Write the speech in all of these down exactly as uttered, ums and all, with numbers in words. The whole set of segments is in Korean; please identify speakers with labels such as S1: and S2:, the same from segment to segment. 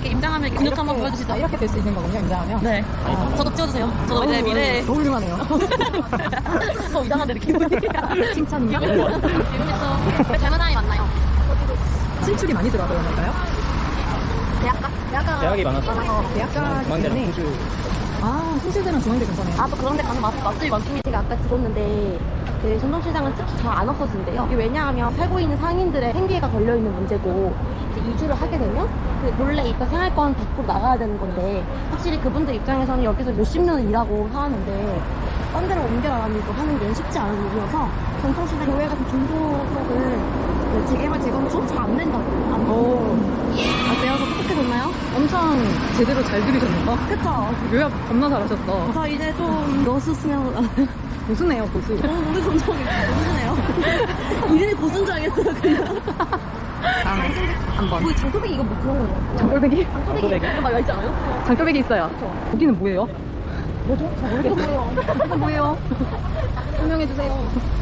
S1: 이렇게 임장하면 근육 한번 보여주시죠.
S2: 이렇게 될 수 있는 거군요, 임장하면.
S1: 네. 아, 저도 찍어주세요. 저도 이제 미래.
S2: 너무 훌륭하네요.
S1: 더 이상한데 느낌이.
S2: 칭찬인가?
S1: 기분이 또 대만아이 맞나요?
S2: 신축이 많이 들어가서 그런가요?
S1: 대학가? 대학가.
S3: 대학이 많았어.
S2: 어, 대학가기
S3: 중앙대랑
S2: 때문에.
S3: 호주.
S2: 아, 신시대랑 중앙대 괜찮아요.
S1: 아, 또 그런 데 가는 맛, 맛집이 많습니다. 제가 아까 들었는데, 그 전통시장은 특히 잘 안 없어진대요. 이게 왜냐하면 살고 있는 상인들의 생계가 걸려있는 문제고, 이제 이주를 하게 되면, 그 몰래 이따 생활권 밖으로 나가야 되는 건데, 확실히 그분들 입장에서는 여기서 몇십 년을 일하고 사는데, 딴 데로 옮겨가지고 하는 게 쉽지 않은 일이어서, 전통시장 교회 같은 중도 쪽을 그 재개발, 재건축 잘 안 된다고. 안
S2: 오,
S1: 어때요? 저 어떻게 됐나요?
S2: 엄청 제대로 잘 들으셨는가?
S1: 그쵸?
S2: 요약 겁나 잘하셨어.
S1: 저 이제 좀 여수 수면
S2: 고수네요, 고수.
S1: 너무 노래 감성이 고수네요. 이름이 고수인 줄 알겠어요, 그냥.
S2: 다음, 한 번.
S1: 뭐 장토백이 이거 뭐 그런 거예요?
S2: 장돌배기?
S1: 장토백이 이거 막 있지 않아요?
S2: 장돌배기 있어요. 여기는 뭐예요?
S1: 뭐죠? 잘 모르겠어요.
S2: 이거 뭐예요? 설명해주세요.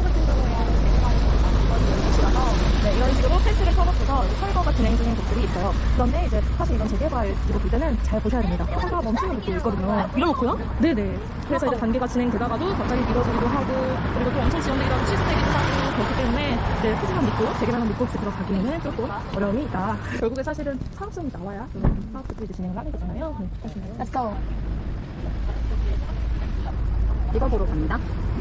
S4: 네, 이런 식으로 펜스를 쳐놓고서 철거가 진행 중인 곳들이 있어요. 그런데 이제 사실 이런 재개발 기록 볼 때는 잘 보셔야 됩니다. 차가 멈추는 곳도 있거든요.
S1: 밀어놓고요?
S4: 네네. 그래서 이제 단계가 진행되다가도 갑자기 미뤄지기도 하고, 그리고 또 엄청 지연되기도 하고 취소되기도 하고, 그렇기 때문에 이제 푸짐한 믿고, 재개발만 믿고 혹시 들어가기에는 조금 어려움이 있다. 결국에 사실은 사업성이 나와야 그런 사업들이 이제 진행을 하는 거잖아요. 네, 하시나요?
S1: Let's go.
S2: 이거 보러 갑니다.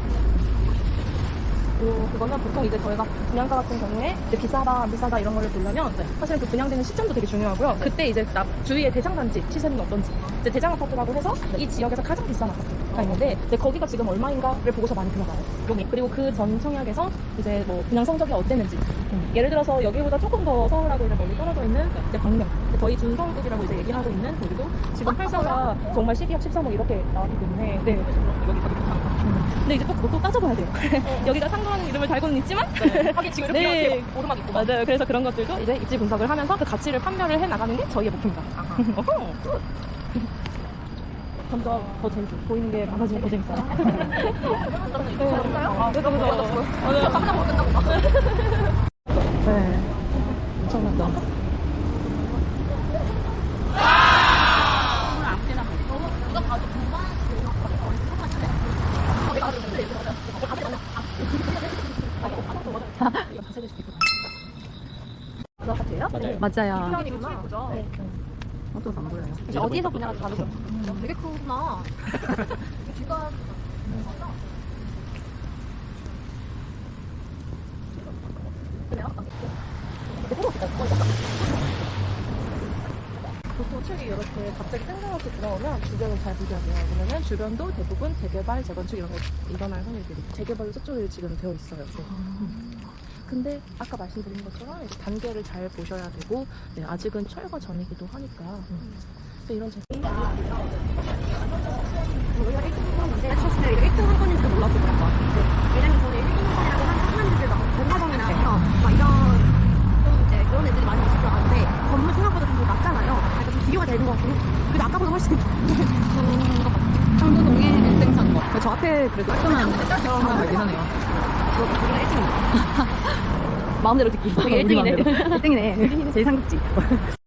S4: 그, 그거는 보통 이제 저희가 분양가 같은 경우에 이제 비싸다, 안 비싸다 이런 거를 보려면 사실 그 분양되는 시점도 되게 중요하고요. 그때 이제 나, 주위의 대장단지 시세는 어떤지. 이제 대장 아파트라고 해서 이 지역에서 가장 비싼 아파트가 있는데 이제 거기가 지금 얼마인가를 보고서 많이 들어가요. 여기. 그리고 그 전 청약에서 이제 뭐 분양 성적이 어땠는지. 음, 예를 들어서 여기보다 조금 더 서울하고 이제 멀리 떨어져 있는 이제 광명. 저희 준서울급이라고 이제 얘기하고 있는 거기도 지금 팔사가 정말 십이억, 십삼억 이렇게 나왔기 때문에. 네. 근데 이제 또 그것도 따져봐야 돼요. 여기가 상권 이름을 달고는 있지만
S1: 하긴 지금
S4: 네.
S1: 이렇게 오르막 있고.
S4: 맞아요. 그래서 그런 것들도 이제 입지 분석을 하면서 그 가치를 판별을 해 나가는 게 저희의 목표입니다. 어허. 점점 더 재밌어. 보이는 게 많아지면 더 재밌어요.
S1: 진짜요?
S4: 아, 그죠, 그죠.
S1: 맞아요. 깜짝 놀랐나 보다.
S2: 네. 엄청났다.
S1: 누가 봐도 금방
S4: 그 아파트예요?
S3: 맞아요.
S2: 맞아요.
S1: 그죠?
S4: 네.
S2: 어쩌서 안 보여요.
S1: 이제 어디에서 분야가 다르죠? 되게 크구나. 귀가
S4: 보통 책이 이렇게 갑자기 뜬금없이 들어오면 주변을 잘 보셔야 돼요. 왜냐면 주변도 대부분 재개발, 재건축 이런 거 일어날 확률들이 재개발로 서쪽에 지금 되어 있어요. 네. 근데 아까 말씀드린 것처럼 이제 단계를 잘 보셔야 되고 네, 아직은 철거 전이기도 하니까 근데 이런 재
S1: 저희가 일 등 했었는데 사실 일 등 한 건인지도 몰랐을 것 같아요. 왜냐면 저는 일 등 한 건이라고 하는 사람들 막 전화정이나 막 이런 좀 이제 그런 애들이 많이 있을 줄 알았는데 건물 생각보다 좀 더 낮잖아요. 그러니까 좀 비교가 되는 것 같고 그래도 아까보다 훨씬 좋은 것 같아요.
S2: 상도동에 일 등 산 거. 저 앞에 그래도 깔끔한 하나 발긴 하네요.
S1: 저희가 일 등입니다.
S2: 마음대로 듣기.
S1: 되게 일 등이네.
S2: 일 등이네. 제일 상급지.